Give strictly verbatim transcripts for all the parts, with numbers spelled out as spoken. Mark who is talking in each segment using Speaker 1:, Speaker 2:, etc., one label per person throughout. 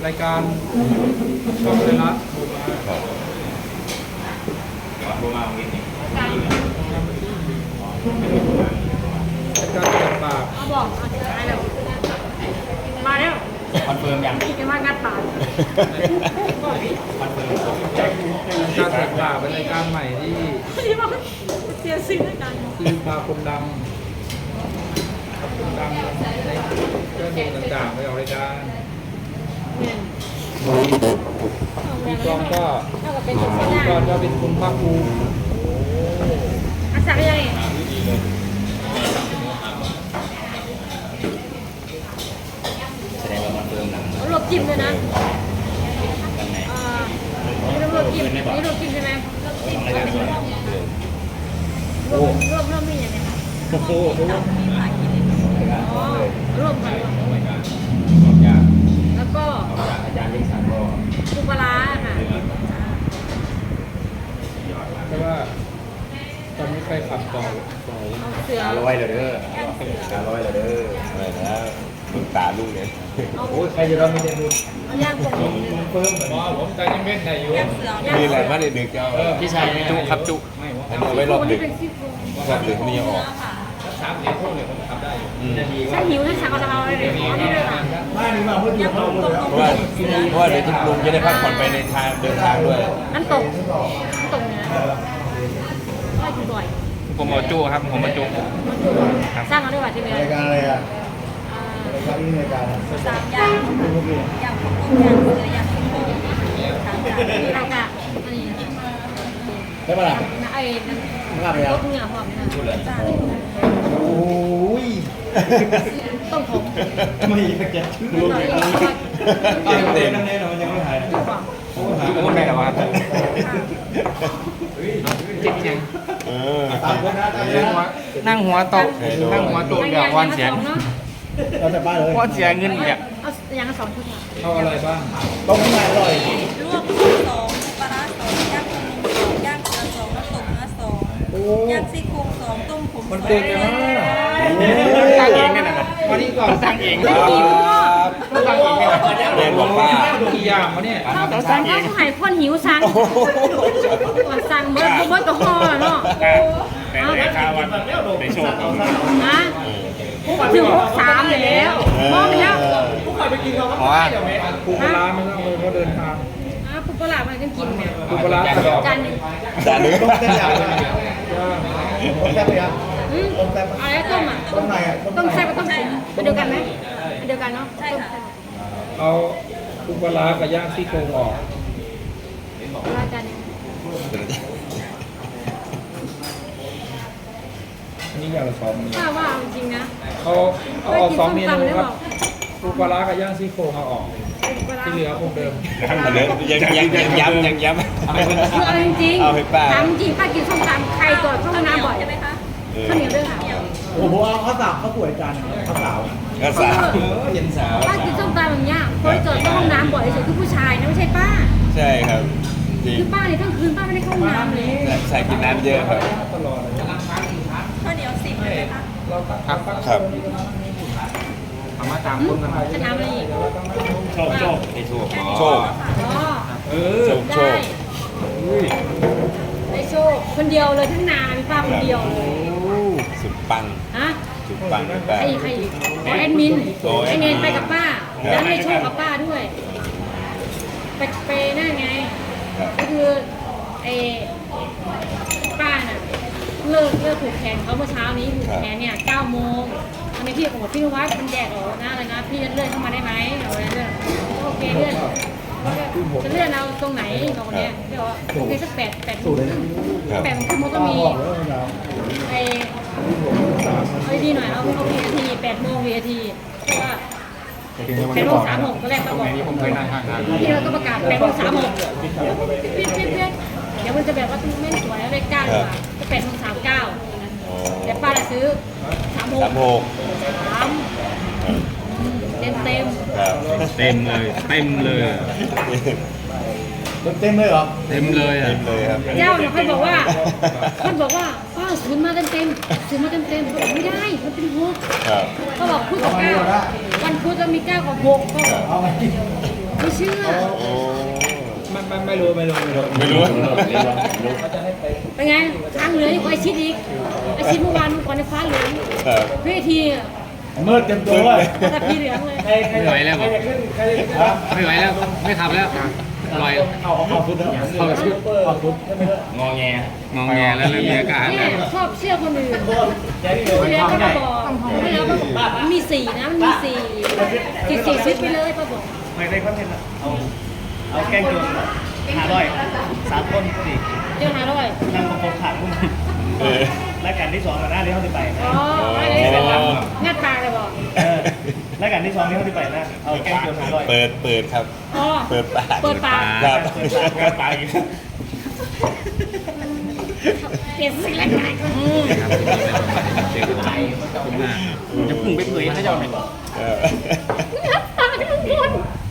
Speaker 1: รายการช่องไทยรัฐ
Speaker 2: โทรมาตรงนี้
Speaker 1: รายการเปิดปาก
Speaker 3: เขาบอกอะไรแบบมาแล้ว
Speaker 2: คอนเฟิร์มยัง
Speaker 3: อีกมางัดปาก
Speaker 2: คอนเฟิร์ม
Speaker 1: การเปิดปากเป็นรายการใหม่ที่
Speaker 3: ที่บอกเสียสิ่งด้วยกัน
Speaker 1: คือพาคนดังคนดังในเรื่องต่างๆไปออกรายการพี่กองก็พี่กองก็เป็นคุณภาคภูมิ
Speaker 3: อาศัยยังไง
Speaker 2: แสดงว่าคอนเฟิร์มหนัง
Speaker 3: รวบจิ้มเลยนะนี่รวบจิ้มนี่รวบจิ้มใช่ไหมรวบรวบรวบนี่ยังไง
Speaker 1: โอ้โห
Speaker 3: รวบกันแล้วก็
Speaker 2: อาจารย์ยิ่งศักดิ์ก็
Speaker 3: ปูปลาค่ะ
Speaker 1: เพราะว่าตอนนี้ใครขับต่อ
Speaker 3: เสือ
Speaker 2: ร้อยเลยเด้อร้อยเลยเด้ออะไรนะมึงตาลูกเนี่ย
Speaker 1: โอ้ยใครจะรับไม่ได้บุญ
Speaker 3: ย่างกบ
Speaker 1: เพิ่มเหมือนว่าผมใจยังเม็ดไหนอยู่
Speaker 2: มีอะไรบ้างดึกๆเจ้าพี่ชายจุครับจุอันนี้ไว้รอบดึกรอบดึกนี่ออก
Speaker 1: สามสี่ทุ่มเนี่ยผมทำได้
Speaker 3: ถ้าหิวถ้าสั่งเอาอะไรเลยเอาที่เลยค่ะ
Speaker 1: ไม่ดีกว่าเพื่อนเขา
Speaker 2: เพราะว่าเพราะว่าเดี๋ยวที่ลุงจะได้พักผ่อนไปในทางเดินทางด้วย
Speaker 3: นั่นตกนั่นตกเนี่ยไม่ถูกบ่อย
Speaker 2: ผมเอาจุครับผมเอาจุ
Speaker 3: สร้างเอาด้วยว่าที่เนี้ย
Speaker 1: รายการอะไรอ่ะรายการนี้รายการ
Speaker 3: สามอย่างอย่างของต้มยำเสืออย่างของต้มสามอย่างเรากะอันนี้
Speaker 1: ได้ปะล่ะ
Speaker 3: ไอ้นั่นรสเนื้อหอมนะ
Speaker 1: โอ้ย
Speaker 3: ต้มผม
Speaker 1: ไม่อยากจะชื่อเลยเต็มเต็มนั่นแน่นอนยังไม่หาย
Speaker 2: โอ้หายคนไหนหรอวะจริงจริง
Speaker 1: เออ
Speaker 2: นั่งหัวโต๊ะนั่งหัวโต๊ะเดี๋ยววันเสียง
Speaker 1: เราจะบ้าเลย
Speaker 2: วันเสียเงินเนี่ย
Speaker 3: เอาอย่างละสองชุดค่ะ
Speaker 1: เอาอะไรบ้างต้มไก่อร่อย
Speaker 4: ลวกสองปลาร้าสองย่างกุ้งสองย่างเกลือสองน้ำตกเนื้อสองย่างซี่โครงสองต้มผมสอง
Speaker 1: มันเก่งเลยนะ
Speaker 2: ตั้งเองเนี่ยนะ
Speaker 1: วันนี้ก่อน
Speaker 2: ตั้งเอง
Speaker 1: ตั้งเองตั้งเองเนี่ย
Speaker 2: เรียนบอกว่า
Speaker 1: กี่อย่างวะเนี่ย
Speaker 3: เขาสั่งเองเขาให้คนหิวสั่งก่อนสั่งเบิร์ดเบิร์ดกับห่อเนาะ
Speaker 2: แต่ในข้าววันในโชว์
Speaker 3: นะถึงหกสามแล้วมองไปแล้ว
Speaker 1: ผู้ใครไปกินเขาก็ไม่ได้ไหมปูปลาไม่ต้องเลยเขาเดินทาง
Speaker 3: อ่ะปูปลามันก็กินเนี่ย
Speaker 1: ปูปลา
Speaker 3: จานนึง
Speaker 2: จานนึง
Speaker 1: ต้มเส้นใหญ่ต้มแซ่บเลยครับ
Speaker 3: ต้มแซ่บอะไรต้มอ่ะ
Speaker 1: ต้มไหนอ่ะ
Speaker 3: ต้มแซ่บกับต้มขมเดียวกันไหมเดียวกันเนาะใช่ค่ะ
Speaker 1: เอาปูปลากับย่างซี่โครงออก
Speaker 3: ปลาจานนึง
Speaker 1: นี่อย่างละสองเมนู
Speaker 3: ถ้าว่าจริงนะ
Speaker 1: เขาเอาออกสองเมนูครับปูปลากับย่างซี่โครงเอาออกที่เหลือคงเดิม
Speaker 2: ยังยังยังย้ำยังย้ำ
Speaker 3: คือเอาจริง
Speaker 2: เอาให้ป้า
Speaker 3: ถามจริงป้ากินส้มตำใครก่อนเข้าห้องน้ำบ่อยใช่ไหมคะข้าวเหนียวด้วยค่ะ
Speaker 1: โอ้โหเอาข้าวสาวข้าวสวยจานข้าวสาว
Speaker 2: ข้าวสาวเย็นสาว
Speaker 3: ป้ากินส้มตำอย่างเงี้ยคนจอดเข้าห้องน้ำบ่อยสุดคือผู้ชายนะไม่ใช่ป้า
Speaker 2: ใช่ครับ
Speaker 3: คือป้าเนี่ยทั้งคืนป้าไม่ได้เข้าห้องน้ำเลย
Speaker 2: ใส่กินน้ำเยอะครับ
Speaker 4: ข้าวเหนียวสิบเลยไหมคะ
Speaker 2: ครับครับ
Speaker 1: ทำมาตามคนกัน
Speaker 3: จะน้ำอะไรอีก
Speaker 2: โชคโชคไอโชคโชค
Speaker 3: เออได้ได้โชคคนเดียวเลยทั้งนามีป้าคนเดียวเลย
Speaker 2: สุดปัง
Speaker 3: ฮะ
Speaker 2: สุดปังป้า
Speaker 3: ใครใครแอดมินไอเนนไปกับป้าแล้วให้โชคกับป้าด้วยไปไปนั่นไงก็คือไอป้าน่ะเลิกเลิกผูกแขนเขาเมื่อเช้านี้ผูกแขนเนี่ยเก้าโมงตอนนี้พี่บอกว่าพี่นวัดมันแดกเหรอนะอะไรนะพี่จะเลื่อนเข้ามาได้ไหมเอาอะไรเลื่อนโอเคเลื่อนจะเลื่อนเอาตรงไหนบอกเนี่ยเดี๋ยวโอเคสักแปดแปดโมงแปดโมงครึ่งมันก็มีไอไอดีหน่อยเอาเอาวีทีแปดโมงวีทีเพราะว่าแปดโมงสามหกก็แรกก็บอกพี่เราก็ประกาศแปดโมงสามหกพี่พี่พี่เดี๋ยวมันจะแบบว่าไม่สวยเลขเก้าดีกว่าก็แปดโมงสามเก้าแต่ป้าจะซื้อสามหก
Speaker 2: สามหก
Speaker 3: สามเต็มเต็ม
Speaker 2: เต็มเลยเต็มเลย
Speaker 1: เต็มเลยเหรอ
Speaker 2: เต็มเลยอ่ะเต็มเลยครับ
Speaker 3: เจ้าเนี่ยเขาบอกว่าเขาบอกว่าป้าซื้อมาเต็มเต็มซื้อมาเต็มเต็มเขาบอกไม่ได้มันเป็นหกเขาบอกพูดกับเก้าวันพุธจะมีเก้ากับหกเขาบอกไม่เชื่อ
Speaker 2: โอ้
Speaker 1: ไม่ไม่ไม่รู้ไม่รู้ไม่รู้
Speaker 2: ไม่รู้
Speaker 1: เขาจะให้ไป
Speaker 3: เป็นไงทางเหลืออีกไอชิดอีกไอชิดเมื่อวานก่อนในฟ้าเหลือง
Speaker 2: ครับ
Speaker 3: เวทีอะ
Speaker 1: มืดเต็มตัวเลย
Speaker 3: แต่พี่เหลืองเลย
Speaker 1: ใครใครไหวแล้วบอกไม่ไหวแล้วไม่ขับแล้วลอยเอาเอาเอาฟุตเอาฟุตเอาฟุตงอแงงอแงแล้วเริ่มมีอาการ
Speaker 3: เนี่ยชอบเชื่อคนอื่นที่แล้วก็มาบอกที่แล้วก็บอกมันมีสี่นะมันมีสี่สี่สี่ซิปไปเลยป้าบอก
Speaker 5: ไม่ได้คอนเทนต์อะเอาเอาแกล้งโจรหาร้อยสามคนสี่
Speaker 3: เจอหาด้วย
Speaker 5: นั่งประกบขาดพุ่ง
Speaker 2: เออ
Speaker 5: รายการที่สองกับหน้าที่เขาที่ไป
Speaker 3: อ๋ออะไรเนี่ยงัดปากเลยบอก
Speaker 5: เออรายการที่สองที่เขาที่ไปนะเอาแกล้งโจรหาร้อย
Speaker 2: เปิดเปิดครับ
Speaker 3: อ๋อ
Speaker 2: เปิดปาก
Speaker 3: เปิดปาก
Speaker 2: ครับ
Speaker 5: เปิดปากงานปากอีก
Speaker 3: เปลี่ยนสิ่งแรกๆอืม
Speaker 5: จะพุ่งไปเผยเขาจะเอาไหน
Speaker 2: เออ
Speaker 3: งัดปากทุกคน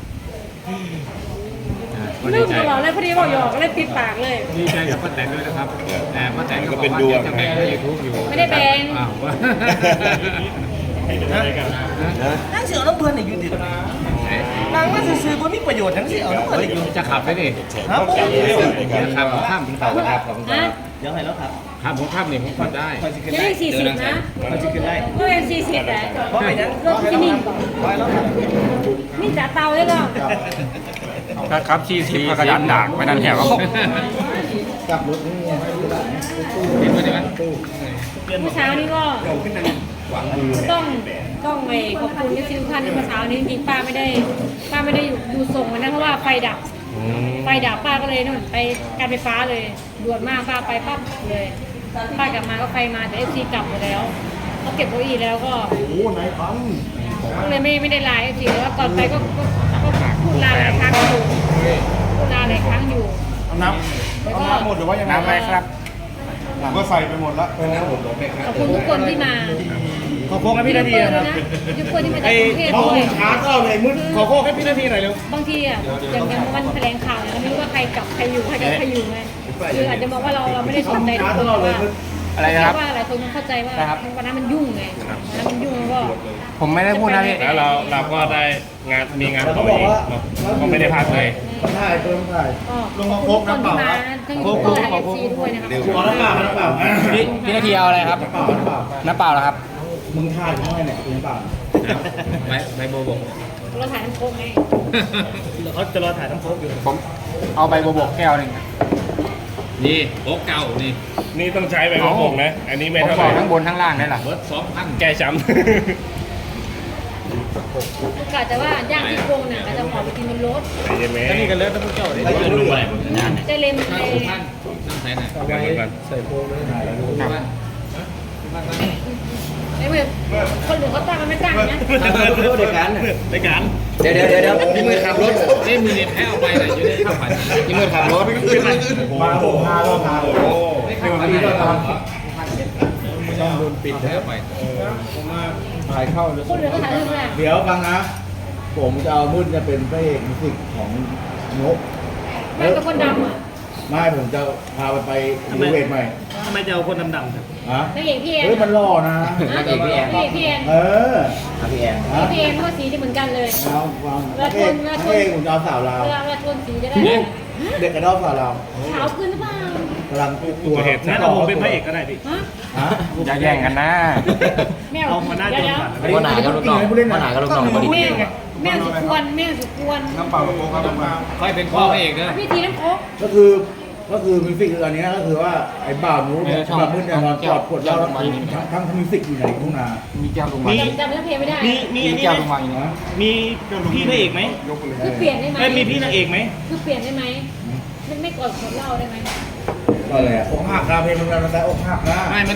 Speaker 3: ลืมตลอดเลยพอดีบอกหยอกก็เลยปิดปากเลย
Speaker 1: ดีใจกับป้าแตนด้วยนะครับแต่ป้าแตนก็
Speaker 2: ก็
Speaker 1: บอ
Speaker 2: เป็น
Speaker 1: กว่า
Speaker 2: ดวง
Speaker 1: จะแบ่งให้ยูทูบอยู่
Speaker 3: ไม่ได้แบ่ง
Speaker 1: อ้าวว่า
Speaker 5: ให้เป็นอะไรกัน
Speaker 2: นะ
Speaker 5: นั่งเสือน้ำเพลินอยู่ติดนางว่าซื้อๆบ่มีประโยชน์ทั้งสิ้นเอาน้ำเพลินอยู่
Speaker 1: จะขับไหมดิ
Speaker 5: ครับผม
Speaker 1: จะขับผมข้ามถึงเขาครับผม
Speaker 3: ฮะ
Speaker 5: เดี๋ยวให้แล้วครับ
Speaker 1: ขับผมข้ามนี่ผมขับได้
Speaker 5: คอยสิขึ้น
Speaker 3: จะ
Speaker 5: ได้
Speaker 3: ได้สี่สิบนะ
Speaker 5: คอยสิขึ้นได้
Speaker 3: ก็เป็นสี่สิบแต่
Speaker 5: เพราะไปนั้น
Speaker 3: รถที่นิ่งก่อน
Speaker 5: คอยแล้วครับ
Speaker 3: นิ่งแต่เตาเลยก็
Speaker 1: ถ้าขับชี้สิบกระดานด่างไม่นั่นแถว
Speaker 5: กับรถนี่
Speaker 1: ติดไว้ได้ไหม
Speaker 5: เปลี่ยนหม
Speaker 3: เมื่
Speaker 5: ด
Speaker 3: อเช้านี้ก็ต้องต้องไปขอบคุณที่ทุกท่านที่เมื่อเช้านี้จริงๆป้าไม่ได้ป้าไม่ได้ดูส่งวันนั้นเพราะว่าไฟดับ ไฟดับป้าก็เลยนู่นไปการไฟฟ้าเลยด่วนมากป้าไปปั๊บเลยป้ากลับมาก็ไฟมาแต่เอฟซีกลับหมดแล้วเขาเก็บเก้าอี้แล้วก็
Speaker 5: โอ้ไหนฟัง
Speaker 3: ก็เลยไม่ไม่ได้ไลน์เอฟซีแต่ว่าก่อนไปก็ก็ก็พูดลาหลายครั้งอยู่พูดลาหลายครั้งอยู่
Speaker 5: เอาน้ำเอาน้ำหมดหรือว่ายังไง
Speaker 1: น้ำอะไรครับ
Speaker 5: น้ำก็ใส่ไปหมดแล้ว
Speaker 3: ขอบคุณทุกคนที่มา
Speaker 5: ขอโค้งให้พี่นาทีนะครับ
Speaker 3: ทุกคนที่มาจาก
Speaker 5: ไอ้
Speaker 3: กรุงเทพ
Speaker 5: ห้อง
Speaker 3: ด้วย
Speaker 5: ช้าก็เลยมืดขอโค้งให้พี่นาทีหน่อยเร็ว
Speaker 3: บางทีอ่ะอย่างอย่างวันแถลงข่าวเนี่ยเราไม่รู้ว่าใครกลับใครอยู่ใครกลับใครอยู่ไงคืออาจจะมองว่าเราเราไม่ได้สนใจทุกคนว่า
Speaker 1: อะไรนะครับ
Speaker 3: ว่าหลายคนมันเข้าใจว่าวันนั้นมันยุ่งไงวันนั้นมันยุ่งก็
Speaker 1: ผมไม่ได้พูดนะพี่
Speaker 6: แล้วเราเราก็ได้งานมีงานต่ออีกเนาะก็ไม่ได้พักเลย
Speaker 5: ถ่ายเติมถ่าย
Speaker 3: ลงมาครบน้ำเปล่าทั้งยูทูบเบอร์ทั้งเอฟซีด้วยนะครับ
Speaker 5: ขอน้ำเปล่าน้ำเปล่า
Speaker 1: พี่พี่นาทีเอาอะไรครับ น้ำเปล่าเหรอครับ
Speaker 5: มึงถ่ายยังไงเนี่ยน้ำเปล่า
Speaker 1: ใบใบโบวบก
Speaker 3: เราถ่ายน้ำโค้งไง
Speaker 5: เขาจะรอถ่ายน้ำโค้กอยู่
Speaker 1: ผมเอาใบโบวบกแก้วหนึ่งนี่โอ๊กเก่านี่
Speaker 6: นี่ต้องใช้ไปกระบอกนะ อันนี้ไม่
Speaker 1: ผม
Speaker 6: เท่า
Speaker 1: บ
Speaker 6: ไห
Speaker 1: อ
Speaker 6: ร่
Speaker 1: กทั้งบนทั้งล่างได้หรอเบิร์ดสองพัน
Speaker 6: แก้ช้
Speaker 3: กะแต่ว่าย่างที่โครงน่ะก็จะหอมไปกินบนรถ
Speaker 6: ำใจเย็นไหม
Speaker 5: อันนี้กันเลยต้องพูดเจ้าเลย
Speaker 6: จะรู้อะไร
Speaker 3: จะเล็มเลย
Speaker 1: ท่านน้ำใสหน่อย
Speaker 6: เดี๋ยวก่อน
Speaker 5: ใส่โค้กเลยถ่ายแล้วดู
Speaker 3: ไอ้เมื่อคนอื่นเขาตั้งกันไม่ตั้งนะ
Speaker 5: เด็กกันเด็กกัน
Speaker 1: เดี๋ยวเดี๋ยวเดี๋ยวพี่มือขับรถเอ้ยมือเนี่ยแพ้เอาไปหน่อยอยู่ในข้าวผัดพี่มือขับรถ
Speaker 5: มาผมพาเราพาโอ้
Speaker 1: ไม่ขับไปไหนต้องโดนปิดแล้วไป
Speaker 5: ถ่ายเข้าเลย
Speaker 3: คนอื่นเขาถ่ายรูปแรก
Speaker 5: เดี๋ยวฟังนะ ผมจะเอามุ่นจะเป็นพระเอกมิวสิกของนก
Speaker 3: แม่เป็นคนดำอ่ะ
Speaker 5: ไม่ผมจะพาไปไปรีเวทใหม่
Speaker 7: ทำไมจะเอาคนดำๆ
Speaker 5: ฮะ
Speaker 3: นางเอกพี่แอน
Speaker 5: เฮ้ยมันหล่อนะ
Speaker 3: นางเอกพี่แอนนางเอกพี่แอน
Speaker 5: เออ
Speaker 2: พี่แอน
Speaker 5: ฮะ
Speaker 3: พี่แอนเขาสีที่เหมือนกันเลย
Speaker 5: เอาฟังพระเอกพระเอกผมจะเอาสาวลาว
Speaker 3: เวลาเวลาโทนสีจะได้
Speaker 5: เด็กกระดอกสาวลาว
Speaker 3: ขาวขึ้นหรือเปล่าก
Speaker 5: ำลังตัว
Speaker 7: งั้นเอาผมเป็นพระเอกก็ได้พี่
Speaker 3: ฮะ
Speaker 5: ฮะ
Speaker 1: อย่าแย่งกันนะ
Speaker 3: แมว
Speaker 7: เอามาหน้า
Speaker 3: เดี๋
Speaker 7: จ
Speaker 3: ยว
Speaker 7: น
Speaker 3: เดี๋ยว
Speaker 7: ผ่าน
Speaker 2: วันไหนก็ลูกน้องวันไหนก็ลูกน้องพอดี
Speaker 3: แมวแมวสุกวนแมวสุกวน
Speaker 5: น้ำเปล่าโค้กครับน้ำเปล่า
Speaker 1: ค่อยเป็นพ่อพระเอกนะ
Speaker 3: พี่ทีน้ำโค้ก
Speaker 5: ก็คือก็คือมิวสิกคืออันเนี้ยก็คือว่าไอ้บ่าวนู้นเนี่ยบ่าวมืดเนี่ยนอนกอดขวดเหล้าทั้งทั้งทั้งมิวสิกอยู่ในทุ่งนา
Speaker 1: มีแก้วลงมา
Speaker 7: มี
Speaker 3: จำจำเนื้อเพลงไม่ได้
Speaker 7: มีมี
Speaker 1: มี
Speaker 7: อันนี้
Speaker 1: แก้ว
Speaker 7: ไห
Speaker 1: ล
Speaker 7: ม
Speaker 1: งมาอีกนะ
Speaker 7: มีพี่พระเอกไหม
Speaker 3: คือเปลี่ยนได้ไหม
Speaker 7: เอ้ยมีพี่นางเอกไหม
Speaker 3: คือเปลี่ยนได้ไหมไม่ไม่กดขวดเหล้าได้ไหม
Speaker 5: ก็เลยอกหักนะเพลงมันมันแต่อกหักนะ
Speaker 1: ไม่มัน